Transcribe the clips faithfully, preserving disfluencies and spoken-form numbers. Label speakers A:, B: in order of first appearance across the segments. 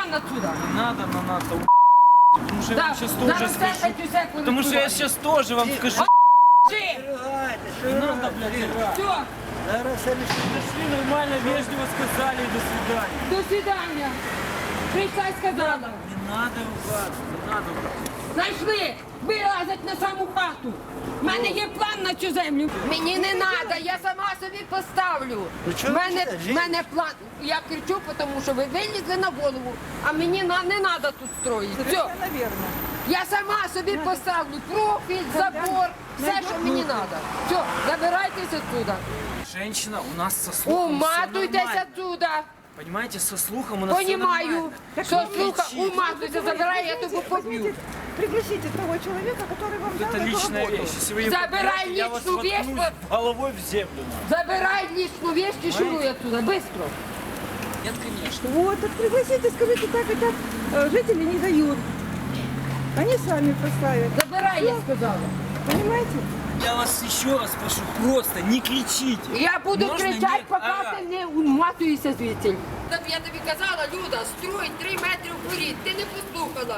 A: вон отсюда.
B: Не надо, но надо. Потому что я
A: Да,
B: вам сейчас тоже
A: зараз
B: скажу.
A: десять секунд.
B: Потому что я сейчас тоже вам скажу.
A: Жи!
B: Не надо, блядь, играть.
A: Все,
B: Пришли нормально, вежливо сказали и до свидания.
A: до свидання. Прийшла й сказала.
B: Не надо ругаться, не надо ругаться.
A: Знайшли, вилазять на саму хату. У мене є план на цю землю. Мені не треба, я сама собі поставлю. У мене, в мене план. Я кричу, тому що ви вилізли на голову, а мені на- не треба тут строїти. Все. Я сама собі поставлю профіль, забор, все, що мені треба. Все, забирайтеся отсюда.
B: Женщина у нас со слухом всё
A: Уматуйтесь
B: нормально.
A: отсюда.
B: Понимаете, со слухом у нас всё
A: Понімаю.
B: нормально.
A: Що слуха,
B: кричите.
A: уматуйся, забирай, я тобі поб'ю.
C: Пригласите того человека, который вам дал
B: Это
C: эту
B: личная
C: работу.
B: вещь. Если вы ее
A: Забирай
B: побьете, я вас
A: личную вещь,
B: воткнусь головой в землю.
A: Забирай личную вещь и шуруй отсюда, быстро.
B: Нет, конечно.
C: Вот, так пригласите, скажите, так и так э, жители не дают. Они сами поставят.
A: Забирай, я сказала.
C: Понимаете?
B: Я вас еще раз прошу, просто не кричите.
A: Я буду
B: Можно
A: кричати,
B: нет?
A: поки
B: Ага.
A: ти не уматуєшся звідси. Я тобі казала, Люда, строй три метри вперед, ти не послухала.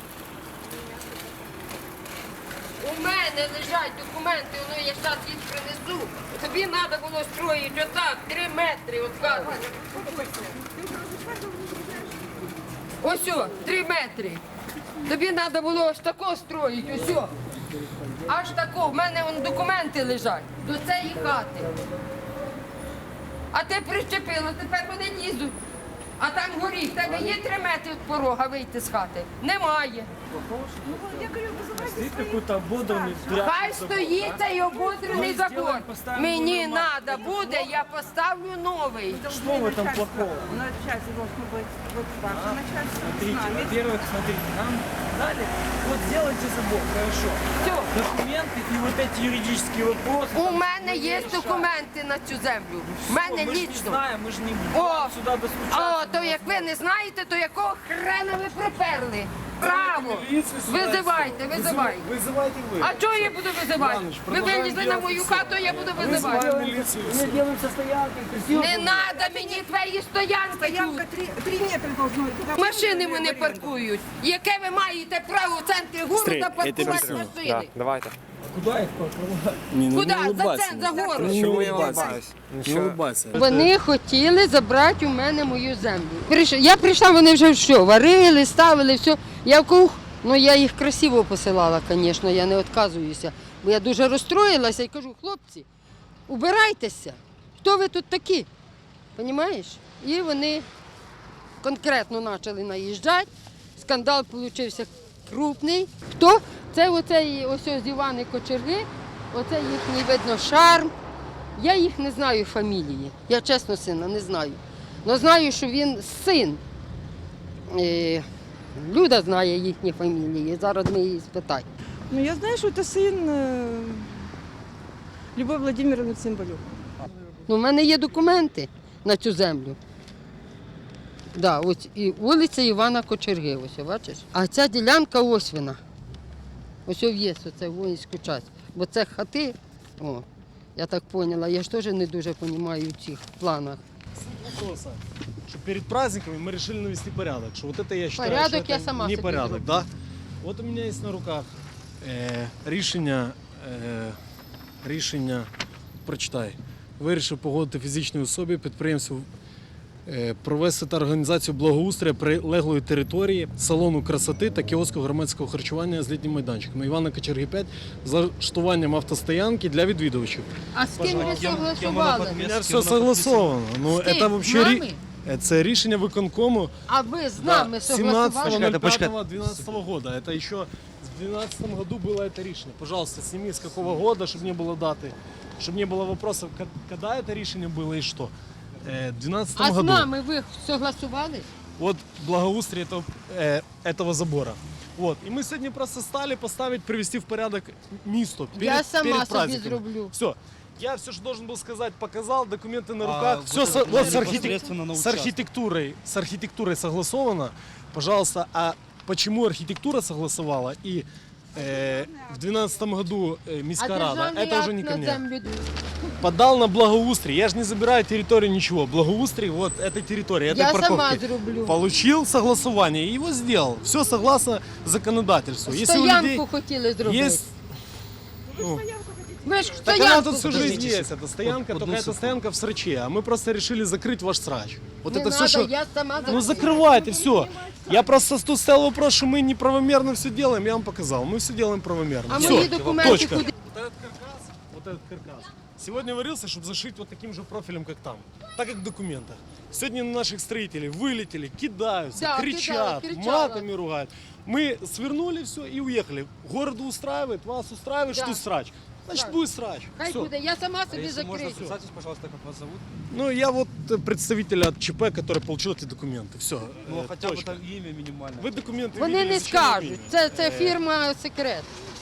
A: У мене лежать документи, ну я зараз їх принесу. Тобі треба було строїти отак, три метри від хати. Ось, о, три метри. Тобі треба було ось тако строїти, ось. о. Аж тако, в мене вон документи лежать до цієї хати. А ти прищепила, тепер вони лізуть. А там горі, в тебе є три метри від порога вийти з хати? Немає.
C: Я говорю, вызывайте
B: Стоит
C: своих.
B: какой-то ободранный
A: Хай стоїть цей ободрений забор.
B: сделаем, поставим
A: Мені
B: новый мат.
A: треба буде, я поставлю новий.
B: Что в этом плохого?
C: Начальство должно быть вот ваше начальство с
B: Смотрите,
C: нами.
B: во-первых, смотрите, нам дали, вот сделайте забор, хорошо.
A: Все.
B: Документы и вот эти юридические вопросы.
A: У
B: там
A: мене
B: мы
A: є
B: решаем.
A: документи на цю землю. У
B: Всё,
A: мене
B: мы ж не
A: лічно.
B: знаем, мы же не
A: О,
B: будем сюда достучаться.
A: О, то як ви не знаєте, то якого хрена ви приперли? Право.
B: Милицию сюда
A: Визивайте,
B: сюда.
A: визивайте.
D: Вызывайте вы.
A: А чого я буду визивати?
D: Іванович,
A: Ви
D: продовжуємо
A: вилізли на мою
D: ділати
A: хату, я буду визивати.
D: Вызываем милицию.
B: Мы делаем со стоянкой, красиво.
A: Не треба мені твої стоянки
C: Стоянка
A: тут.
C: три, три метра должно быть. Туда
A: Машини
C: в
A: мене
C: аренду.
A: паркують. Яке ви маєте право в центрі города паркувати машини?
D: Давайте.
B: Куда их парковать?
D: Не, ну,
A: Куди?
D: не
A: За
D: улыбайся.
A: центр, за город.
D: Не
E: Чому я
D: улыбайся.
E: улыбаюсь?
D: Не улыбайся.
A: Вони хотіли забрати у мене мою землю. Прийш- Я прийшла, вони вже що, варили, ставили, все. Я в кух, ну я їх красиво посилала, звісно, я не відказуюся. Бо я дуже розстроїлася і кажу, хлопці, убирайтеся. Хто ви тут такі? Понімаєш? І вони конкретно почали наїжджати. Скандал вийшов крупний. Хто? Це оцей ось ось Івани Кочерги, оце їхній, видно, шарм. Я їх не знаю фамілії. Я чесно сина не знаю. Але знаю, що він син. Е, Люда знає їхні фамілії. Зараз ми її спитаємо.
C: Ну, я знаю, что это сын э, Любовь Владимировны Цимбалюк.
A: Ну, в мене є документи на цю землю. Да, ось і вулиця Івана Кочерги, ось, бачиш? А ця ділянка ось вона. Ось є, оце воїнську часть. Бо це хати, о, я так поняла, я ж теж не дуже розумію в цих планах.
D: Вопроса, что перед праздниками мы решили навести порядок. Что вот это я считаю,
A: Порядок
D: что
A: я
D: это
A: сама
D: не
A: себе
D: порядок,
A: делаю.
D: да? Вот у меня есть на руках э, рішення, э, рішення, прочитай. Вирішив погодити фізичній особі підприємцю е, провести та організацію благоустрою прилеглої території, салону красоти та кіоску громадського харчування з літнім майданчиком Івана Кочерги п'ять з влаштуванням автостоянки для відвідувачів.
A: А з ким ви согласували?
D: У мене все согласовано. Ну,
A: З ким?
D: це вообще
A: З
D: рі-
A: нами?
D: е, це рішення виконкому
A: А ви з нами согласували?
D: семнадцатого двенадцатого года. Это еще в двенадцатом году было это решение. Пожалуйста, сними с какого года, чтобы не было даты, чтобы не было вопросов, ко- когда это решение было и что. Э, В двенадцатом
A: А з
D: году.
A: нами ви согласували?
D: Вот благоустрие этого, э, этого забора. Вот. И мы сегодня просто стали поставить, привести в порядок место перед,
A: Я сама
D: перед
A: собі
D: праздниками.
A: зроблю.
D: Все. Я все, что должен был сказать, показал, документы на
E: А
D: руках.
E: вот
D: все
E: это
D: со- вот с, архитек-
E: непосредственно на
D: с
E: участок.
D: архитектурой, с архитектурой согласовано. Пожалуйста, а почему архитектура согласовала и Э, в двенадцатом году э,
A: А
D: Міська Рада,
A: державний
D: это уже
A: акт
D: не ко
A: на
D: мне.
A: землю.
D: Подал на благоустрий. Я же не забираю территорию ничего. Благоустрий вот этой территории, этой
A: Я
D: парковки.
A: сама зроблю.
D: Получил согласование и его сделал. Все согласно законодательству. Если у
A: Стоянку
D: людей
A: хотіли зробити.
D: есть... Ну,
A: Ми ж
D: так она
A: стоянку
D: тут всю
A: зробили.
D: жизнь есть, эта стоянка,
E: Одну
D: только эта
E: секунду.
D: стоянка в сраче, а мы просто решили закрыть ваш срач. Вот
A: Не
D: это
A: надо,
D: все, что...
A: я сама
D: Ну
A: зроблю.
D: закрывайте, все. Я просто тут стоял вопрос, что мы неправомерно все делаем, я вам показал. Мы все делаем правомерно.
A: А
D: Всё,
A: мої документи
D: точка.
A: куди?
D: Вот этот каркас, вот этот каркас. Сегодня варился, чтобы зашить вот таким же профилем, как там. Так как в документах. Сегодня на наших строителей вылетели, кидаются,
A: Да,
D: кричат,
A: кидают, кричала.
D: матами ругают. Мы свернули все и уехали. Городу устраивает, вас устраивает,
A: Да.
D: что срач. Значит,
A: Да.
D: будет срач.
A: Хай
D: Всё.
A: буде, я сама
E: А
A: собі
E: если можно,
A: закрию.
E: представьтесь, пожалуйста, как вас зовут?
D: Ну, я вот э, представитель от ЧП, который получил эти документы. Все,
E: Ну, хотя бы там имя минимальное.
D: Вы документы
A: Вони
D: видели,
A: не
D: зачем вам
A: скажуть.
D: имя?
A: Це, це
D: Е,
A: фірма секрет.